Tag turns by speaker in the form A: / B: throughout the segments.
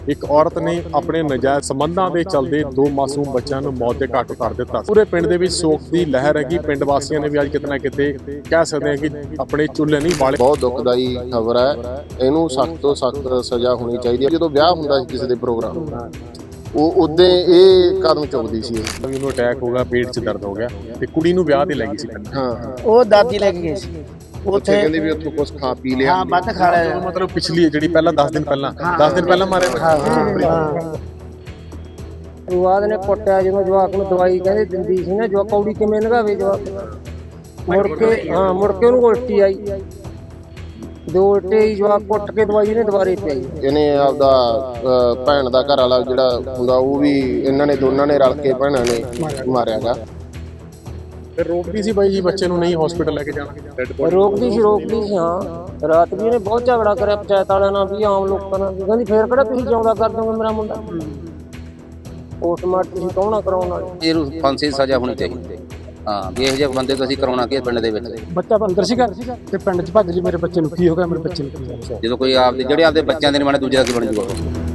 A: ਇੱਕ ਔਰਤ ਨੇ ਆਪਣੇ ਨਜਾਇਜ਼ ਸੰਬੰਧਾਂ ਦੇ ਚੱਲਦੇ ਦੋ ਮਾਸੂਮ ਬੱਚਿਆਂ ਨੂੰ ਮੌਤ ਦੇ ਘਾਟ ਉਤਾਰ ਦਿੱਤਾ। ਪੂਰੇ ਪਿੰਡ ਦੇ ਵਿੱਚ ਸੋਗ ਦੀ ਲਹਿਰ ਹੈਗੀ। ਪਿੰਡ ਵਾਸੀਆਂ ਨੇ ਵੀ ਅੱਜ ਕਿਤੇ ਨਾ ਕਿਤੇ ਕਹਿ ਸਕਦੇ ਹਾਂ ਕਿ ਆਪਣੇ ਚੁੱਲ੍ਹੇ ਨਹੀਂ ਬਾਲੇ।
B: ਬਹੁਤ ਦੁਖਦਾਈ ਖਬਰ ਹੈ, ਇਹਨੂੰ ਸਖਤ ਤੋਂ ਸਖਤ ਸਜ਼ਾ ਹੋਣੀ ਚਾਹੀਦੀ ਹੈ। ਜਦੋਂ ਵਿਆਹ ਹੁੰਦਾ ਸੀ ਕਿਸੇ ਦੇ ਪ੍ਰੋਗਰਾਮ ਉਹ ਉਦੋਂ ਇਹ ਕਦਮ ਚੁੱਕਦੀ ਸੀ।
A: ਉਹਨੂੰ ਅਟੈਕ ਹੋ ਗਿਆ, ਪੇਟ 'ਚ ਦਰਦ ਹੋ ਗਿਆ ਤੇ ਕੁੜੀ ਨੂੰ ਵਿਆਹ ਤੇ ਲੈ ਗਈ ਸੀ ਪਹਿਲਾਂ।
B: ਹਾਂ,
C: ਉਹ ਦਾਦੀ ਲੈ ਕੇ ਗਈ ਸੀ
B: ਉੱਥੇ ਕਹਿੰਦੇ ਵੀ ਉੱਥੋਂ ਕੁਝ ਖਾ ਪੀ ਲਿਆ।
C: ਹਾਂ, ਵੱਧ ਖਾ ਲਿਆ।
A: ਮਤਲਬ ਪਿਛਲੀ ਜਿਹੜੀ ਪਹਿਲਾਂ 10 ਦਿਨ ਪਹਿਲਾਂ ਮਾਰੇ।
C: ਸ਼ੁਰੂਆਤ ਨੇ ਕੁੱਟਿਆ ਜਦੋਂ ਜਵਾਕ ਨੂੰ ਦਵਾਈ ਕਹਿੰਦੇ ਦਿੰਦੀ ਸੀ ਨਾ, ਜਵਾਕ ਕੌੜੀ ਕਿਵੇਂ ਲਗਾਵੇ ਜਵਾਕ। ਮੁੜ ਕੇ ਉਹਨੂੰ ਉਲਟੀ ਆਈ, ਦੋ ਉਲਟੇ ਹੀ ਜਵਾਕ ਕੁੱਟ ਕੇ ਦਵਾਈ ਇਹਨੇ ਦੁਬਾਰੇ ਪਿਆਈ।
B: ਇਹਨੇ ਆਪਦਾ ਭੈਣ ਦਾ ਘਰ ਵਾਲਾ ਜਿਹੜਾ ਹੁੰਦਾ ਉਹ ਵੀ ਇਹਨਾਂ ਨੇ ਦੋਨਾਂ ਨੇ ਰਲ ਕੇ ਭੈਣਾਂ ਨੇ ਮਾਰਿਆਗਾ।
A: ਫਿਰ ਰੋਕਦੀ ਸੀ ਬਾਈ ਜੀ ਬੱਚੇ ਨੂੰ ਨਹੀਂ ਹਸਪੀਟਲ ਲੈ ਕੇ ਜਾਣਾ।
C: ਰੋਕਦੀ ਸੀ ਹਾਂ। ਰਾਤ ਵੀ ਇਹਨੇ ਬਹੁਤ ਝਗੜਾ ਕਰਿਆ ਪੰਚਾਇਤ ਵਾਲਿਆਂ ਨਾਲ ਵੀ, ਆਮ ਲੋਕਾਂ ਨਾਲ ਵੀ। ਕਹਿੰਦੀ ਫੇਰ ਕਿਹੜਾ ਤੁਸੀਂ ਜਿਉਂਦਾ ਕਰ ਦੋਗੇ ਮੇਰਾ ਮੁੰਡਾ। ਪੋਸਟਮਾਰਟਮ ਤੁਸੀਂ ਕੌਣ ਕਰਾਉਣ ਵਾਲੇ।
D: ਇਹਨੂੰ ਫਾਂਸੀ ਦੀ ਸਜ਼ਾ ਹੋਣੀ ਚਾਹੀਦੀ। ਹਾਂ ਵੀ ਇਹੋ ਜਿਹੇ ਬੰਦੇ ਤੋਂ ਅਸੀਂ ਕਰਾਉਣਾ ਕੀ ਪਿੰਡ ਦੇ ਵਿੱਚ।
E: ਬੱਚਾ ਅੰਦਰ ਸੀਗਾ ਤੇ ਪਿੰਡ 'ਚ ਭੱਜ ਲਈ, ਮੇਰੇ ਬੱਚੇ ਨੂੰ ਕੀ ਹੋ ਗਿਆ, ਮੇਰੇ ਬੱਚੇ ਨੂੰ ਕੀ ਹੋ ਗਿਆ।
D: ਜਦੋਂ ਕੋਈ ਆਪਦੇ ਜਿਹੜੇ ਆਪਦੇ ਬੱਚਿਆਂ ਦੇ ਨਹੀਂ ਬਣੇ ਦੂਜੇ ਦਾ ਕੀ ਬਣ ਜੂਗਾ।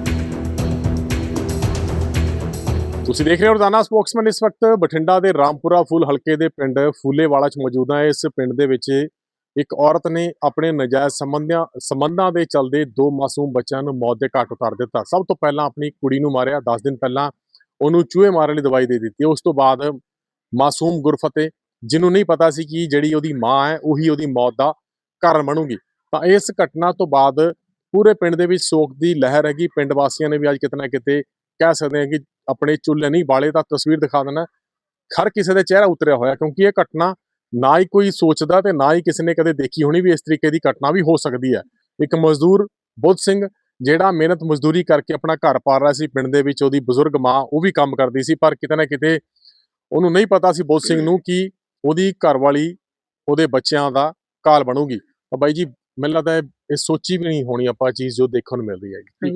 A: ਤੁਸੀਂ ਦੇਖ ਰਹੇ ਹੋ ਰੋਜ਼ਾਨਾ ਸਪੋਕਸਮੈਨ। ਇਸ ਵਕਤ ਬਠਿੰਡਾ ਦੇ ਰਾਮਪੁਰਾ ਫੂਲ ਹਲਕੇ ਦੇ ਪਿੰਡ ਫੂਲੇਵਾਲਾ 'ਚ ਮੌਜੂਦ ਹਾਂ। ਇਸ ਪਿੰਡ ਦੇ ਵਿੱਚ ਇੱਕ ਔਰਤ ਨੇ ਆਪਣੇ ਨਜਾਇਜ਼ ਸੰਬੰਧਾਂ ਦੇ ਚੱਲਦੇ ਦੋ ਮਾਸੂਮ ਬੱਚਿਆਂ ਨੂੰ ਮੌਤ ਦੇ ਘਾਟ ਉਤਾਰ ਦਿੱਤਾ। ਸਭ ਤੋਂ ਪਹਿਲਾਂ ਆਪਣੀ ਕੁੜੀ ਨੂੰ ਮਾਰਿਆ, 10 ਦਿਨ ਪਹਿਲਾਂ ਉਹਨੂੰ ਚੂਹੇ ਮਾਰਨ ਲਈ ਦਵਾਈ ਦੇ ਦਿੱਤੀ। ਉਸ ਤੋਂ ਬਾਅਦ ਮਾਸੂਮ ਗੁਰਫਤਿਹ, ਜਿਹਨੂੰ ਨਹੀਂ ਪਤਾ ਸੀ ਕਿ ਜਿਹੜੀ ਉਹਦੀ ਮਾਂ ਹੈ ਉਹੀ ਉਹਦੀ ਮੌਤ ਦਾ ਕਾਰਨ ਬਣੂਗੀ। ਤਾਂ ਇਸ ਘਟਨਾ ਤੋਂ ਬਾਅਦ ਪੂਰੇ ਪਿੰਡ ਦੇ ਵਿੱਚ ਸੋਗ ਦੀ ਲਹਿਰ ਹੈਗੀ। ਪਿੰਡ ਵਾਸੀਆਂ ਨੇ ਵੀ ਅੱਜ ਕਿਤੇ ਨਾ ਕਿਤੇ ਕਹਿ ਸਕਦੇ ਹਾਂ ਕਿ ਆਪਣੇ ਚੁੱਲ੍ਹੇ ਨਹੀਂ ਬਾਲੇ। ਤਾਂ ਤਸਵੀਰ ਦਿਖਾ ਦੇਣਾ, ਹਰ ਕਿਸੇ ਦੇ ਚਿਹਰਾ ਉਤਰਿਆ ਹੋਇਆ, ਕਿਉਂਕਿ ਇਹ ਘਟਨਾ ਨਾ ਹੀ ਕੋਈ ਸੋਚਦਾ ਤੇ ਨਾ ਹੀ ਕਿਸੇ ਨੇ ਕਦੇ ਦੇਖੀ ਹੋਣੀ ਵੀ ਇਸ ਤਰੀਕੇ ਦੀ ਘਟਨਾ ਵੀ ਹੋ ਸਕਦੀ ਹੈ। ਇੱਕ ਮਜ਼ਦੂਰ ਬੁੱਧ ਸਿੰਘ ਜਿਹੜਾ ਮਿਹਨਤ ਮਜ਼ਦੂਰੀ ਕਰਕੇ ਆਪਣਾ ਘਰ ਪਾਲ ਰਿਹਾ ਸੀ ਪਿੰਡ ਦੇ ਵਿੱਚ, ਉਹਦੀ ਬਜ਼ੁਰਗ ਮਾਂ ਉਹ ਵੀ ਕੰਮ ਕਰਦੀ ਸੀ, ਪਰ ਕਿਤੇ ਨਾ ਕਿਤੇ ਉਹਨੂੰ ਨਹੀਂ ਪਤਾ ਸੀ ਬੁੱਧ ਸਿੰਘ ਨੂੰ ਕਿ ਉਹਦੀ ਘਰਵਾਲੀ ਉਹਦੇ ਬੱਚਿਆਂ ਦਾ ਕਾਲ ਬਣੂਗੀ। ਤਾਂ ਬਾਈ ਜੀ ਮੈਨੂੰ ਲੱਗਦਾ ਇਹ ਸੋਚੀ ਵੀ ਨਹੀਂ ਹੋਣੀ ਆਪਾਂ ਚੀਜ਼ ਜੋ ਦੇਖਣ ਨੂੰ ਮਿਲ ਰਹੀ ਹੈ। ਕੀ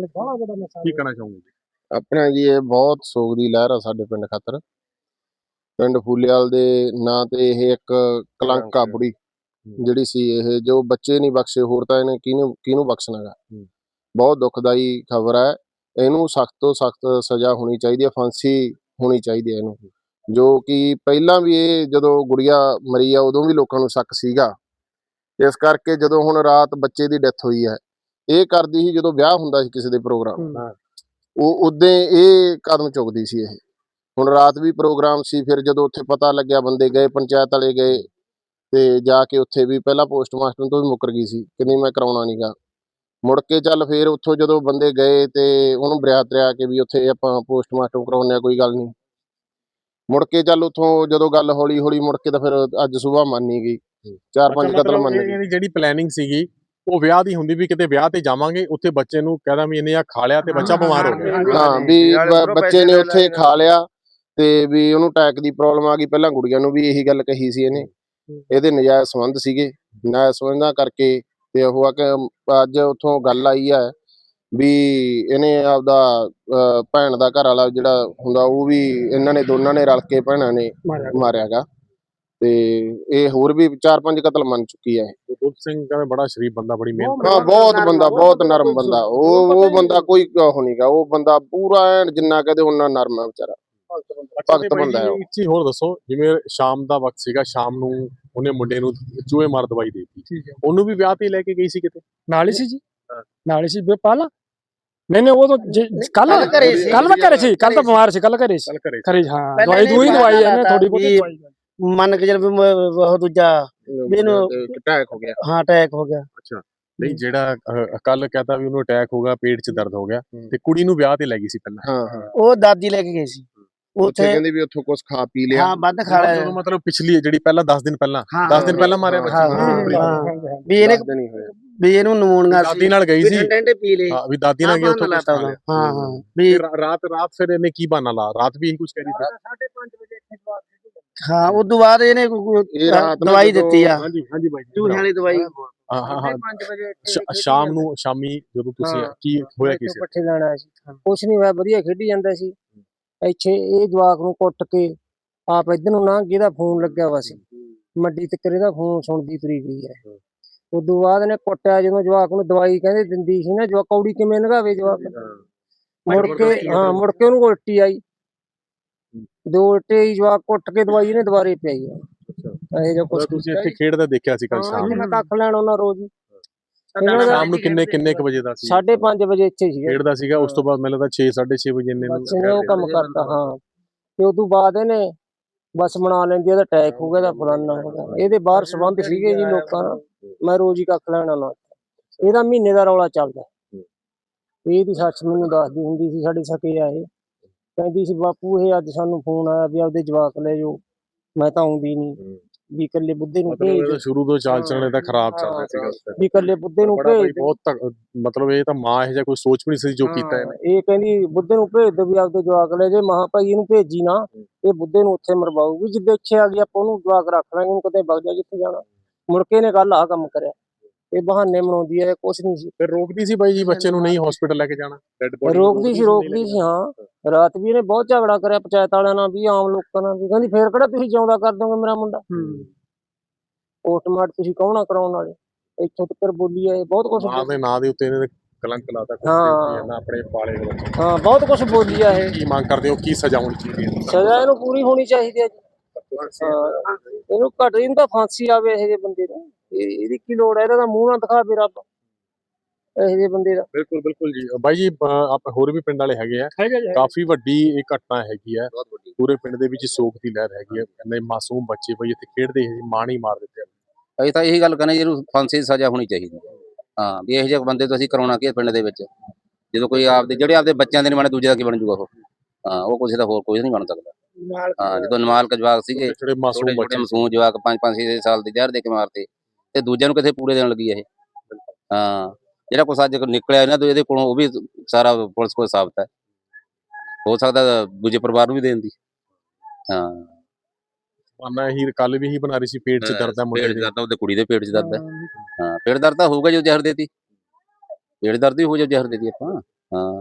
A: ਕਹਿਣਾ ਚਾਹੋਗੇ?
B: ਆਪਣਾ ਜੀ ਇਹ ਬਹੁਤ ਸੋਗ ਦੀ ਲਹਿਰ ਆ ਸਾਡੇ ਪਿੰਡ ਖਾਤਰ। ਪਿੰਡ ਫੂਲੇਵਾਲ ਦੇ ਨਾਂ ਤੇ ਇਹ ਇੱਕ ਕਲੰਕ ਆ ਬੁੜੀ ਜਿਹੜੀ ਸੀ। ਇਹ ਜੋ ਬੱਚੇ ਨਹੀਂ ਬਖਸ਼ੇ, ਹੋਰ ਤਾਂ ਇਹਨੇ ਕਿਹਨੂੰ ਬਖਸ਼ਣਾਗਾ। ਬਹੁਤ ਦੁਖਦਾਈ ਖਬਰ ਹੈ, ਇਹਨੂੰ ਸਖਤ ਤੋਂ ਸਖਤ ਸਜ਼ਾ ਹੋਣੀ ਚਾਹੀਦੀ ਹੈ, ਫਾਂਸੀ ਹੋਣੀ ਚਾਹੀਦੀ ਹੈ ਇਹਨੂੰ। ਜੋ ਕਿ ਪਹਿਲਾਂ ਵੀ ਇਹ ਜਦੋਂ ਗੁੜੀਆ ਮਰੀ ਆ ਉਦੋਂ ਵੀ ਲੋਕਾਂ ਨੂੰ ਸ਼ੱਕ ਸੀਗਾ। ਇਸ ਕਰਕੇ ਜਦੋਂ ਹੁਣ ਰਾਤ ਬੱਚੇ ਦੀ ਡੈਥ ਹੋਈ ਹੈ, ਇਹ ਕਰਦੀ ਸੀ ਜਦੋਂ ਵਿਆਹ ਹੁੰਦਾ ਸੀ ਕਿਸੇ ਦੇ ਪ੍ਰੋਗਰਾਮ, ਉਹ ਉਦੋਂ ਇਹ ਕਦਮ ਚੁੱਕਦੀ ਸੀ। ਇਹ ਹੁਣ ਰਾਤ ਵੀ ਪ੍ਰੋਗਰਾਮ ਸੀ, ਫਿਰ ਜਦੋਂ ਉੱਥੇ ਪਤਾ ਲੱਗਿਆ ਬੰਦੇ ਗਏ, ਪੰਚਾਇਤ ਵਾਲੇ ਗਏ ਤੇ ਜਾ ਕੇ ਉੱਥੇ ਵੀ ਪਹਿਲਾਂ ਪੋਸਟਮਾਸਟਰ ਤੋਂ ਵੀ ਮੁੱਕਰ ਗਈ ਸੀ ਕਿ ਨਹੀਂ ਮੈਂ ਕਰਾਉਣਾ ਨੀਗਾ। ਮੁੜ ਕੇ ਚੱਲ ਫਿਰ ਉੱਥੋਂ ਜਦੋਂ ਬੰਦੇ ਗਏ ਤੇ ਉਹਨੂੰ ਬਰਿਆਤ ਰਿਆ ਕੇ ਵੀ ਉੱਥੇ ਆਪਾਂ ਪੋਸਟਮਾਸਟਰ ਕਰਾਉਂਦੇ ਆ, ਕੋਈ ਗੱਲ ਨਹੀਂ। ਮੁੜ ਕੇ ਚੱਲ ਉੱਥੋਂ ਜਦੋਂ ਗੱਲ ਹੌਲੀ ਹੌਲੀ ਮੁੜ ਕੇ ਤਾਂ ਫਿਰ ਅੱਜ ਸੁਬਾਹ ਮੰਨੀ ਗਈ, 4-5 ਕਤਲ ਮੰਨੇ ਗਏ।
A: ਜਿਹੜੀ ਪਲੈਨਿੰਗ ਸੀਗੀ ਉਹ ਵਿਆਹ ਦੀ ਹੁੰਦੀ ਵੀ ਕਿਤੇ ਵਿਆਹ ਤੇ ਜਾਵਾਂਗੇ, ਉੱਥੇ ਬੱਚੇ ਨੂੰ ਕਹਿਦਾ ਵੀ ਇਹਨੇ ਆ ਖਾ ਲਿਆ ਤੇ ਬੱਚਾ ਬਿਮਾਰ ਹੋ ਗਿਆ।
B: ਹਾਂ ਵੀ ਬੱਚੇ ਨੇ ਉੱਥੇ ਖਾ ਲਿਆ ਤੇ ਵੀ ਉਹਨੂੰ ਅਟੈਕ ਦੀ ਪ੍ਰੋਬਲਮ ਆ ਗਈ। ਪਹਿਲਾਂ ਗੁੜੀਆਂ ਨੂੰ ਵੀ ਇਹੀ ਗੱਲ ਕਹੀ ਸੀ ਇਹਨੇ, ਇਹਦੇ ਨਜਾਇਜ਼ ਸੰਬੰਧ ਸੀਗੇ। ਨਜਾਇਜ਼ ਸੰਬੰਧਾਂ ਕਰਕੇ ਤੇ ਉਹ ਆ ਕਿ ਅੱਜ ਉੱਥੋਂ ਗੱਲ ਆਈ ਹੈ ਵੀ ਇਹਨੇ ਆਪਦਾ ਭੈਣ ਦਾ ਘਰ ਵਾਲਾ ਜਿਹੜਾ ਹੁੰਦਾ ਉਹ ਵੀ ਇਹਨਾਂ ਨੇ ਦੋਨਾਂ ਨੇ ਰਲ ਕੇ ਭੈਣਾਂ ਨੇ ਮਾਰਿਆਗਾ। ਤੇ ਇਹ ਹੋਰ ਵੀ 4-5 ਕਤਲ ਮੰਨ ਚੁੱਕੀ ਹੈ।
A: ਬੁੱਧ ਸਿੰਘ ਕਹਿੰਦੇ ਬੜਾ ਸ਼ਰੀਫ ਬੰਦਾ, ਬੜੀ ਮਿਹਨਤ।
B: ਹਾਂ ਬਹੁਤ ਬੰਦਾ, ਬਹੁਤ ਨਰਮ ਬੰਦਾ। ਉਹ ਬੰਦਾ ਕੋਈ ਉਹ ਨਹੀਂਗਾ, ਉਹ ਬੰਦਾ ਪੂਰਾ ਐਨ ਜਿੰਨਾ ਕਹਦੇ ਉਹਨਾਂ ਨਰਮ ਹੈ ਵਿਚਾਰਾ, ਭਗਤ ਬੰਦਾ ਹੈ।
A: ਇੱਕ ਚੀਜ਼ ਹੋਰ ਦੱਸੋ, ਜਿਵੇਂ ਸ਼ਾਮ ਦਾ ਵਕਤ ਸੀਗਾ, ਸ਼ਾਮ ਨੂੰ ਉਹਨੇ ਮੁੰਡੇ ਨੂੰ ਚੂਹੇ ਮਾਰ ਦਵਾਈ ਦੇ ਦਿੱਤੀ, ਉਹਨੂੰ ਵੀ ਵਿਆਹ ਤੇ ਲੈ ਕੇ ਗਈ ਸੀ ਕਿਤੇ
E: ਨਾਲ ਹੀ ਸੀ ਜੀ, ਨਾਲ ਹੀ ਸੀ ਪਾਲਾ। ਨਹੀਂ ਉਹ ਤਾਂ ਕੱਲ ਮੈਂ ਘਰੇ ਸੀ, ਕੱਲ ਤਾਂ ਬਿਮਾਰ ਸੀ, ਕੱਲ ਘਰੇ ਸੀ। ਹਾਂ ਦਵਾਈ ਇਹਨੇ ਥੋੜੀ ਬਹੁਤੀ ਦਵਾਈ
C: ਮੰਨ ਕੇ ਚੱਲ ਬਹੁਤ ਦੂਜਾ ਮੈਨੂੰ
B: ਅਟੈਕ ਹੋ ਗਿਆ।
C: ਹਾਂ ਅਟੈਕ ਹੋ ਗਿਆ।
A: ਅੱਛਾ ਨਹੀਂ, ਜਿਹੜਾ ਕੱਲ ਕਹਤਾ ਵੀ ਉਹਨੂੰ ਅਟੈਕ ਹੋ ਗਿਆ, ਪੇਟ 'ਚ ਦਰਦ ਹੋ ਗਿਆ ਤੇ ਕੁੜੀ ਨੂੰ ਵਿਆਹ ਤੇ ਲੈ ਗਈ ਸੀ ਪਹਿਲਾਂ।
B: ਹਾਂ
C: ਉਹ ਦਾਦੀ ਲੈ ਕੇ ਗਈ ਸੀ
B: ਉੱਥੇ ਕਹਿੰਦੇ ਵੀ ਉੱਥੋਂ ਕੁਝ ਖਾ ਪੀ ਲਿਆ।
C: ਹਾਂ ਵੱਧ ਖਾ ਲਿਆ।
A: ਮਤਲਬ ਪਿਛਲੀ ਜਿਹੜੀ ਪਹਿਲਾਂ 10 ਦਿਨ ਪਹਿਲਾਂ ਮਾਰਿਆ
C: ਵੀ ਇਹਨੇ ਵੀ ਇਹਨੂੰ ਨਮੂਨੀਆ
A: ਦਾਦੀ ਨਾਲ ਗਈ ਸੀ,
C: ਠੰਡੇ ਪੀ ਲੇ।
A: ਵੀ ਦਾਦੀ ਨਾਲ ਗਈ ਉੱਥੋਂ ਕੁਝ ਖਾ ਲਿਆ।
C: ਹਾਂ ਵੀ
A: ਰਾਤ ਫਿਰ ਇਹਨੇ ਕੀ ਬਹਾਨਾ ਲਾ, ਰਾਤ ਵੀ ਇਹੀ ਕੁਝ ਕਹਿ ਰਹੀ ਸੀ।
C: 5:30 ਵਜੇ ਹਾਂ ਉਸ ਤੋਂ ਬਾਅਦ ਇਹਨੇ ਦਵਾਈ ਦਿੱਤੀ ਆ।
A: ਹਾਂਜੀ ਬਾਈ,
C: ਚੂਹਿਆਂ ਵਾਲੀ ਦਵਾਈ।
A: ਸ਼ਾਮੀ ਜਦੋਂ ਤੁਸੀਂ ਕੀ ਹੋਇਆ ਕਿਸੇ
C: ਪੱਠੇ ਲੈਣਾ ਸੀ, ਕੁਛ ਨਹੀਂ ਹੋਇਆ, ਵਧੀਆ ਖੇਡੀ ਜਾਂਦਾ ਸੀ। ਇੱਥੇ ਇਹ ਜਵਾਕ ਨੂੰ ਕੁੱਟ ਕੇ ਆਪ ਇੱਧਰ ਨੂੰ ਨਾ, ਜਿਹਦਾ ਫੋਨ ਲੱਗਿਆ ਵਾ ਸੀ ਮੰਡੀ ਤੱਕ, ਇਹਦਾ ਫੋਨ ਸੁਣਦੀ ਤੁਰੀ ਗਈ ਹੈ। ਉਦੋਂ ਬਾਅਦ ਨੇ ਕੁੱਟਿਆ ਜਦੋਂ ਜਵਾਕ ਨੂੰ ਦਵਾਈ ਕਹਿੰਦੇ ਦਿੰਦੀ ਸੀ ਨਾ ਜਵਾਕ ਕੌੜੀ ਕਿਵੇਂ ਲੰਘਾਵੇ ਜਵਾਕ ਮੁੜ ਕੇ ਉਹਨੂੰ ਉਲਟੀ ਆਈ 2 ਉਲਟੇ ਹੀ ਜਵਾਕ ਕੁੱਟ ਕੇ ਦਵਾਈ ਇਹਨੇ ਦੁਬਾਰੇ ਪਿਆਈ ਆ ਇਹ ਜੋ ਕੁਛ
A: ਤੁਸੀਂ ਇੱਥੇ ਖੇਡਦਾ ਦੇਖਿਆ ਸੀ ਕੱਲ ਸ਼ਾਮ
C: ਮੈਂ ਕੱਖ ਲੈਣ ਉਹਨਾਂ ਰੋਜ਼ ਹੀ
A: ਸ਼ਾਮ ਨੂੰ ਕਿੰਨੇ ਕੁ ਵਜੇ ਦਾ ਸੀ
C: 5:30 ਵਜੇ ਇੱਥੇ ਸੀ
A: ਖੇਡਦਾ ਸੀਗਾ ਉਸ ਤੋਂ ਬਾਅਦ ਮੈਨੂੰ ਲੱਗਦਾ 6:30 ਵਜੇ ਇੰਨੇ ਨੂੰ
C: ਬੱਚੇ ਨੇ ਉਹ ਕੰਮ ਕਰਤਾ ਹਾਂ ਤੇ ਉਦੋਂ ਬਾਅਦ ਇਹਨੇ ਬਸ ਬਣਾ ਲੈਂਦੀ ਇਹਦਾ ਅਟੈਕ ਹੋ ਗਿਆ ਦਾ ਫਲਾਨਾ ਹੋ ਗਿਆ ਇਹਦੇ ਬਾਹਰ ਸੰਬੰਧ ਸੀਗੇ ਜੀ ਲੋਕਾਂ ਨਾਲ ਮੈਂ ਰੋਜ਼ ਹੀ ਕੱਖ ਲੈਣ ਆਉਣਾ ਇਹਦਾ ਮਹੀਨੇ ਦਾ ਰੌਲਾ ਚੱਲਦਾ ਇਹਦੀ ਸੱਸ ਮੈਨੂੰ ਦੱਸਦੀ ਹੁੰਦੀ ਸੀ ਸਾਡੇ ਸਕੇ ਆਏ ਕਹਿੰਦੀ ਸੀ ਬਾਪੂ ਇਹ ਅੱਜ ਸਾਨੂੰ ਫੋਨ ਆਇਆ ਵੀ ਆਪਦੇ ਜਵਾਕ ਲੈ ਜਾਓ ਮੈਂ ਤਾਂ ਆਉਂਦੀ ਨਹੀਂ ਵੀ ਇਕੱਲੇ ਬੁੱਧੇ ਨੂੰ ਭੇਜ
A: ਸ਼ੁਰੂ ਤੋਂ ਚਾਲ ਚੱਲਣੇ ਤਾਂ ਖਰਾਬ ਚੱਲ ਰਿਹਾ ਸੀਗਾ
C: ਵੀ ਇਕੱਲੇ ਬੁੱਧੇ ਨੂੰ ਭੇਜ
A: ਬਹੁਤ ਮਤਲਬ ਇਹ ਤਾਂ ਮਾਂ ਇਹ ਜਿਹਾ ਕੋਈ ਸੋਚ ਵੀ ਨਹੀਂ ਸੀ ਜੋ ਕੀਤਾ ਇਹਨੇ
C: ਇਹ ਕਹਿੰਦੀ ਬੁੱਧੇ ਨੂੰ ਭੇਜ ਦੋ ਵੀ ਆਪਦੇ ਜਵਾਕ ਲੈ ਜੇ ਮਹਾ ਭਾਈ ਇਹਨੂੰ ਭੇਜੀ ਨਾ ਇਹ ਬੁੱਧੇ ਨੂੰ ਉੱਥੇ ਮਰਵਾਊਗੀ ਜਿੱਦੇ ਇੱਥੇ ਆ ਗਈ ਆਪਾਂ ਉਹਨੂੰ ਜਵਾਕ ਰੱਖ ਲਾਂਗੇ ਉਹਨੂੰ ਕਿਤੇ ਵਗ ਜਾ ਜਿੱਥੇ ਜਾਣਾ ਮੁੜ ਕੇ ਇਹਨੇ ਕੱਲ ਆਹ ਕੰਮ ਕਰਿਆ ਇਹ ਬਹਾਨੇ ਬਣਾਉਂਦੀ ਹੈ ਕੁਛ ਨਹੀਂ ਸੀ
A: ਫਿਰ ਰੋਕਦੀ ਸੀ ਬਾਈ ਜੀ ਬੱਚੇ ਨੂੰ ਨਹੀਂ ਹਸਪੀਟਲ ਲੈ ਕੇ ਜਾਣਾ
C: ਰੋਕਦੀ ਸੀ ਹਾਂ ਰਾਤ ਵੀ ਇਹਨੇ ਬਹੁਤ ਝਗੜਾ ਕਰਿਆ ਪੰਚਾਇਤ ਵਾਲਿਆਂ ਨਾਲ ਵੀ ਆਮ ਲੋਕਾਂ ਨਾਲ ਵੀ ਕਹਿੰਦੀ ਫੇਰ ਕਿਹੜਾ ਤੁਸੀਂ ਜਿਉਂਦਾ ਕਰ ਦੋਗੇ ਮੇਰਾ ਮੁੰਡਾ ਪੋਸਟਮਾਰਟਮ ਤੁਸੀਂ ਕੌਣਾ ਕਰਾਉਣ ਵਾਲੇ ਇੱਥੋਂ ਤੱਕ ਬੋਲੀ ਹੈ ਬਹੁਤ ਕੁਛ
A: ਮਾਂ ਦੇ ਨਾਂ ਦੇ ਉੱਤੇ ਇਹਨੇ ਕਲੰਕ ਲਾਤਾ
C: ਹਾਂ
A: ਆਪਣੇ ਪਾਲੇ ਦੇ ਵਿੱਚ
C: ਹਾਂ ਬਹੁਤ ਕੁਛ ਬੋਲੀ ਆ ਇਹ
A: ਕੀ ਮੰਗ ਕਰਦੇ ਹੋ ਕੀ ਸਜ਼ਾ ਹੋਣੀ ਚਾਹੀਦੀ ਹੈ
C: ਸਜ਼ਾ ਇਹਨੂੰ ਪੂਰੀ ਹੋਣੀ ਚਾਹੀਦੀ ਹੈ ਜੀ ਇਹਨੂੰ ਘੱਟ ਇਹਨੂੰ ਤਾਂ ਫਾਂਸੀ ਆਵੇ ਇਹੋ ਜਿਹੇ ਬੰਦੇ ਨੂੰ ਇਹਦੀ ਕੀ ਲੋੜ ਹੈ ਇਹਦਾ ਤਾਂ ਮੂੰਹ ਨਾ ਦਿਖਾਵੇ ਰੱਬ ਇਹੋ ਜਿਹੇ ਬੰਦੇ ਦਾ
A: ਬਿਲਕੁਲ ਜੀ ਬਾਈ ਜੀ ਆਪਾਂ ਹੋਰ ਵੀ ਪਿੰਡ ਵਾਲੇ ਹੈਗੇ ਆ ਕਾਫੀ ਵੱਡੀ ਇਹ ਘਟਨਾ ਹੈਗੀ ਆ ਪੂਰੇ ਪਿੰਡ ਦੇ ਵਿੱਚ ਸੋਗ ਦੀ ਲਹਿਰ ਹੈਗੀ ਆ ਇੰਨੇ ਮਾਸੂਮ ਬੱਚੇ ਬਈ ਇੱਥੇ ਖੇਡਦੇ ਸੀ ਮਾਣ ਹੀ ਮਾਰ ਦਿੱਤੇ
D: ਅਸੀਂ ਤਾਂ ਇਹੀ ਗੱਲ ਕਹਿੰਦੇ ਜੀ ਇਹਨੂੰ ਫਾਂਸੀ ਦੀ ਸਜ਼ਾ ਹੋਣੀ ਚਾਹੀਦੀ ਹਾਂ ਵੀ ਇਹੋ ਜਿਹੇ ਬੰਦੇ ਤੋਂ ਅਸੀਂ ਕਰਾਉਣਾ ਕੀ ਪਿੰਡ ਦੇ ਵਿੱਚ ਜਦੋਂ ਕੋਈ ਜਿਹੜੇ ਆਪਦੇ ਬੱਚਿਆਂ ਦੇ ਨਹੀਂ ਬਣੇ ਦੂਜੇ ਦਾ ਕੀ ਬਣ ਜੂਗਾ ਉਹ ਹਾਂ ਉਹ ਕਿਸੇ ਦਾ ਹੋਰ ਕੋਈ ਨਹੀਂ ਬਣ ਸਕਦਾ ਹਾਂ ਜਦੋਂ ਨਾਬਾਲਗ ਜਵਾਕ ਸੀਗੇ
A: ਜਿਹੜੇ ਮਾਸੂਮ ਬੱਚੇ
D: ਮਾਸੂਮ ਜਵਾਕ 5-5 6 ਸਾਲ ਦੇ ਜ਼ਹਿਰ ਦੇ ਕੇ ਮਾਰਤੇ ਤੇ ਦੂਜਿਆਂ ਨੂੰ ਕਿੱਥੇ ਪੂਰੇ ਦੇਣ ਲੱਗੀ ਇਹ ਹਾਂ ਜਿਹੜਾ ਕੁਛ ਅੱਜ ਨਿਕਲਿਆ ਇਹਨਾਂ ਤੋਂ ਇਹਦੇ ਕੋਲੋਂ ਉਹ ਵੀ ਸਾਰਾ ਪੁਲਿਸ ਕੋਲ ਸਾਬਤ ਹੈ ਹੋ ਸਕਦਾ ਦੂਜੇ ਪਰਿਵਾਰ ਨੂੰ ਵੀ ਦੇਣ ਦੀ ਹਾਂ
A: ਮੈਂ ਹੀ ਕੱਲ ਵੀ ਹੀ ਬਣਾ ਰਹੀ ਸੀ ਪੇਟ 'ਚ ਦਰਦ ਹੈ ਮੁੰਡੇ ਦੇ
D: ਉਹਦੇ ਕੁੜੀ ਦੇ ਪੇਟ 'ਚ ਦਰਦ ਹੈ ਹਾਂ ਪੇਟ ਦਰਦ ਤਾਂ ਹੋਊਗਾ ਜੋ ਜ਼ਹਿਰ ਦੇਤੀ ਪੇਟ ਦਰਦ ਵੀ ਹੋ ਜਾ ਜ਼ਹਿਰ ਦੇਤੀ ਆਪਾਂ ਹਾਂ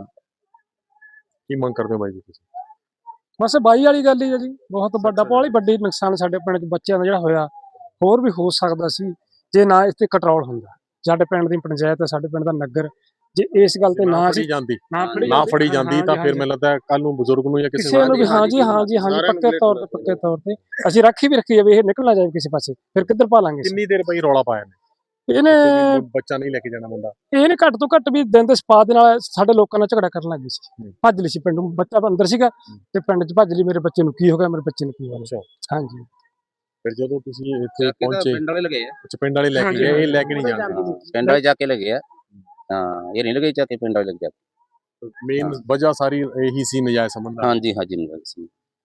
A: ਕੀ ਮੰਗ ਕਰਦੇ ਹੋ ਬਾਈ ਜੀ ਤੁਸੀਂ
E: ਬਸ ਬਾਈ ਵਾਲੀ ਗੱਲ ਹੀ ਹੈ ਜੀ ਬਹੁਤ ਵੱਡਾ ਬਹੁਤ ਵੱਡੀ ਨੁਕਸਾਨ ਸਾਡੇ ਪਿੰਡ 'ਚ ਬੱਚਿਆਂ ਦਾ ਜਿਹੜਾ ਹੋਇਆ ਹੋਰ ਵੀ ਹੋ ਸਕਦਾ ਸੀ ਜੇ ਨਾ ਇਸ ਤੇ ਕੰਟਰੋਲ ਹੁੰਦਾ ਸਾਡੇ ਪਿੰਡ ਦੀ ਪੰਚਾਇਤ ਸਾਡੇ ਪਿੰਡ ਦਾ ਨਗਰ ਜੇ ਇਸ ਗੱਲ ਤੇ ਨਾ ਸੀ ਨਾ ਫੜੀ ਜਾਂਦੀ ਤਾਂ ਫਿਰ ਮੈਨੂੰ ਲੱਗਦਾ ਕੱਲ ਨੂੰ ਬਜ਼ੁਰਗ ਨੂੰ ਜਾਂ ਕਿਸੇ ਨੂੰ ਵੀ ਹਾਂਜੀ ਪੱਕੇ ਤੌਰ ਤੇ ਅਸੀਂ ਰਾਖੀ ਵੀ ਰੱਖੀ ਜਾਵੇ ਇਹ ਨਿਕਲ ਨਾ ਜਾਵੇ ਕਿਸੇ ਪਾਸੇ ਫਿਰ ਕਿੱਧਰ ਪਾ ਲਾਂਗੇ
A: ਕਿੰਨੀ ਦੇਰ ਬਈ ਰੌਲਾ ਪਾਇਆ ਨੇ
E: ਇਹਨੇ
A: ਬੱਚਾ ਨਹੀਂ ਲੈ ਕੇ ਜਾਣਾ ਮੁੰਡਾ
E: ਇਹਨੇ ਘੱਟ ਤੋਂ ਘੱਟ ਵੀ ਦਿਨ ਦੇ ਸਪਾ ਦੇ ਨਾਲ ਸਾਡੇ ਲੋਕਾਂ ਨਾਲ ਝਗੜਾ ਕਰਨ ਲੱਗ ਗਈ ਸੀ ਭੱਜ ਲਈ ਸੀ ਪਿੰਡ ਨੂੰ ਬੱਚਾ ਅੰਦਰ ਸੀਗਾ ਤੇ ਪਿੰਡ 'ਚ ਭੱਜ ਲਈ ਮੇਰੇ ਬੱਚੇ ਨੂੰ ਕੀ ਹੋ ਗਿਆ ਮੇਰੇ ਬੱਚੇ ਨੂੰ ਕੀ ਹੋਇਆ ਹਾਂਜੀ
A: ਫਿਰ ਜਦੋਂ ਤੁਸੀਂ ਇੱਥੇ ਪਹੁੰਚੇ
D: ਪਿੰਡ ਵਾਲੇ ਲਗੇ ਆ
A: ਪਿੰਡ ਵਾਲੇ ਲੈ ਕੇ ਗਏ ਇਹ ਲੈ ਕੇ ਨਹੀਂ ਜਾਂਦੇ
D: ਪਿੰਡ ਵਾਲੇ ਜਾ ਕੇ ਲਗੇ ਆ ਹਾਂ ਇਹ ਨਹੀਂ ਲਗੇ ਜਾ ਕੇ ਪਿੰਡ ਵਾਲੇ ਲੱਗ ਜਾ
A: ਮੇਨ ਵਜ੍ਹਾ ਸਾਰੀ ਇਹੀ ਸੀ ਨਜਾਇਜ਼ ਸੰਬੰਧ
D: ਹਾਂਜੀ ਨਜਾਇਜ਼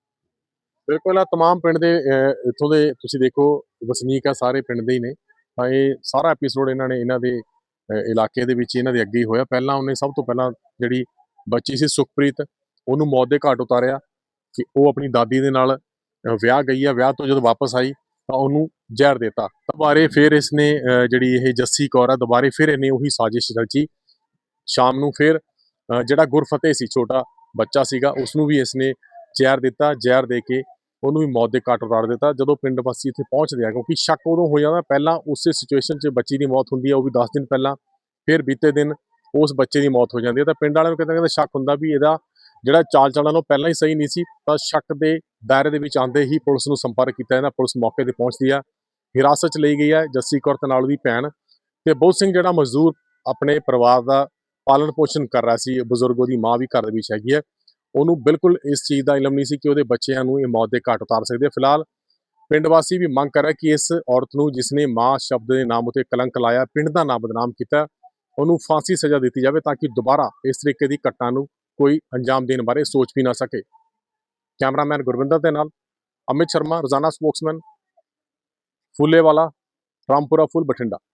A: ਬਿਲਕੁਲ ਆ तमाम ਪਿੰਡ ਦੇ ਇੱਥੋਂ ਦੇ ਤੁਸੀਂ ਦੇਖੋ ਵਸਨੀਕ ਆ ਸਾਰੇ ਪਿੰਡ ਦੇ ਹੀ ਨੇ ਤਾਂ ਇਹ ਸਾਰਾ ਐਪੀਸੋਡ ਇਹਨਾਂ ਨੇ ਇਹਨਾਂ ਦੇ ਇਲਾਕੇ ਦੇ ਵਿੱਚ ਇਹਨਾਂ ਦੇ ਅੱਗੇ ਹੀ ਹੋਇਆ ਪਹਿਲਾਂ ਉਹਨੇ ਸਭ ਤੋਂ ਪਹਿਲਾਂ ਜਿਹੜੀ ਬੱਚੀ ਸੀ ਸੁਖਪ੍ਰੀਤ ਉਹਨੂੰ ਮੌਤ ਦੇ ਘਾਟ ਉਤਾਰਿਆ ਕਿ ਉਹ ਆਪਣੀ ਦਾਦੀ ਦੇ ਨਾਲ ਵਿਆਹ ਗਈ ਆ ਵਿਆਹ ਤੋਂ ਜਦੋਂ ਵਾਪਸ ਆਈ ਤਾਂ ਉਹਨੂੰ ਜ਼ਹਿਰ ਦਿੱਤਾ ਦੁਬਾਰੇ ਫਿਰ ਇਸਨੇ ਜਿਹੜੀ ਇਹ ਜੱਸੀ ਕੌਰ ਆ ਦੁਬਾਰੇ ਫਿਰ ਇਹਨੇ ਉਹੀ ਸਾਜ਼ਿਸ਼ ਰਚੀ ਸ਼ਾਮ ਨੂੰ ਫਿਰ ਜਿਹੜਾ ਗੁਰਫਤਿਹ ਸੀ ਛੋਟਾ ਬੱਚਾ ਸੀਗਾ ਉਸ ਨੂੰ ਵੀ ਇਸਨੇ ਜ਼ਹਿਰ ਦਿੱਤਾ ਜ਼ਹਿਰ ਦੇ ਕੇ ਉਹਨੂੰ ਵੀ ਮੌਤ ਦੇ ਘਾਟ ਉਤਾਰ ਦਿੱਤਾ ਜਦੋਂ ਪਿੰਡ ਵਾਸੀ ਇੱਥੇ ਪਹੁੰਚਦੇ ਆ ਕਿਉਂਕਿ ਸ਼ੱਕ ਉਦੋਂ ਹੋ ਜਾਂਦਾ ਪਹਿਲਾਂ ਉਸੇ ਸਿਚੁਏਸ਼ਨ 'ਚ ਬੱਚੀ ਦੀ ਮੌਤ ਹੁੰਦੀ ਹੈ ਉਹ ਵੀ 10 ਦਿਨ ਪਹਿਲਾਂ ਫਿਰ ਬੀਤੇ ਦਿਨ ਉਸ ਬੱਚੇ ਦੀ ਮੌਤ ਹੋ ਜਾਂਦੀ ਹੈ ਤਾਂ ਪਿੰਡ ਵਾਲਿਆਂ ਨੂੰ ਕਿਤੇ ਸ਼ੱਕ ਹੁੰਦਾ ਵੀ ਇਹਦਾ ਜਿਹੜਾ ਚਾਲ ਚੱਲਣ ਉਹ ਪਹਿਲਾਂ ਹੀ ਸਹੀ ਨਹੀਂ ਸੀ ਤਾਂ ਸ਼ੱਕ ਦੇ ਦਾਇਰੇ ਦੇ ਵਿੱਚ ਆਉਂਦੇ ਹੀ ਪੁਲਿਸ ਨੂੰ ਸੰਪਰਕ ਕੀਤਾ ਜਾਂਦਾ ਪੁਲਿਸ ਮੌਕੇ ਤੇ ਪਹੁੰਚਦੀ ਆ ਹਿਰਾਸਤ 'ਚ ਲਈ ਗਈ ਹੈ ਜੱਸੀ ਕੌਰ ਤੇ ਨਾਲ ਉਹਦੀ ਭੈਣ ਤੇ ਬਹੁਤ ਸਿੰਘ ਜਿਹੜਾ ਮਜ਼ਦੂਰ ਆਪਣੇ ਪਰਿਵਾਰ ਦਾ ਪਾਲਣ ਪੋਸ਼ਣ ਕਰ ਰਿਹਾ ਸੀ ਬਜ਼ੁਰਗ ਉਹਦੀ ਮਾਂ ਵੀ ਘਰ ਦੇ ਵਿੱਚ ਹੈਗੀ ਹੈ ਉਹਨੂੰ ਬਿਲਕੁਲ ਇਸ ਚੀਜ਼ ਦਾ ਇਲਮ ਨਹੀਂ ਸੀ ਕਿ ਉਹਦੇ ਬੱਚਿਆਂ ਨੂੰ ਇਹ ਮੌਤ ਦੇ ਘਾਟ ਉਤਾਰ ਸਕਦੇ ਫਿਲਹਾਲ ਪਿੰਡ ਵਾਸੀ ਵੀ ਮੰਗ ਕਰ ਰਿਹਾ ਕਿ ਇਸ ਔਰਤ ਨੂੰ ਜਿਸਨੇ ਮਾਂ ਸ਼ਬਦ ਦੇ ਨਾਮ ਉਤੇ ਕਲੰਕ ਲਾਇਆ ਪਿੰਡ ਦਾ ਨਾਮ ਬਦਨਾਮ ਕੀਤਾ ਉਹਨੂੰ ਫਾਂਸੀ ਸਜ਼ਾ ਦਿੱਤੀ ਜਾਵੇ ਤਾਂ ਕਿ ਦੁਬਾਰਾ ਇਸ ਤਰੀਕੇ ਦੀ ਘਟਨਾ ਨੂੰ ਕੋਈ ਅੰਜਾਮ ਦੇਣ ਬਾਰੇ ਸੋਚ ਵੀ ਨਾ ਸਕੇ ਕੈਮਰਾਮੈਨ ਗੁਰਵਿੰਦਰ ਦੇ ਨਾਲ ਅਮਿਤ ਸ਼ਰਮਾ ਰੋਜ਼ਾਨਾ ਸਪੋਕਸਮੈਨ ਫੁੱਲੇਵਾਲਾ ਰਾਮਪੁਰਾ ਫੁੱਲ ਬਠਿੰਡਾ।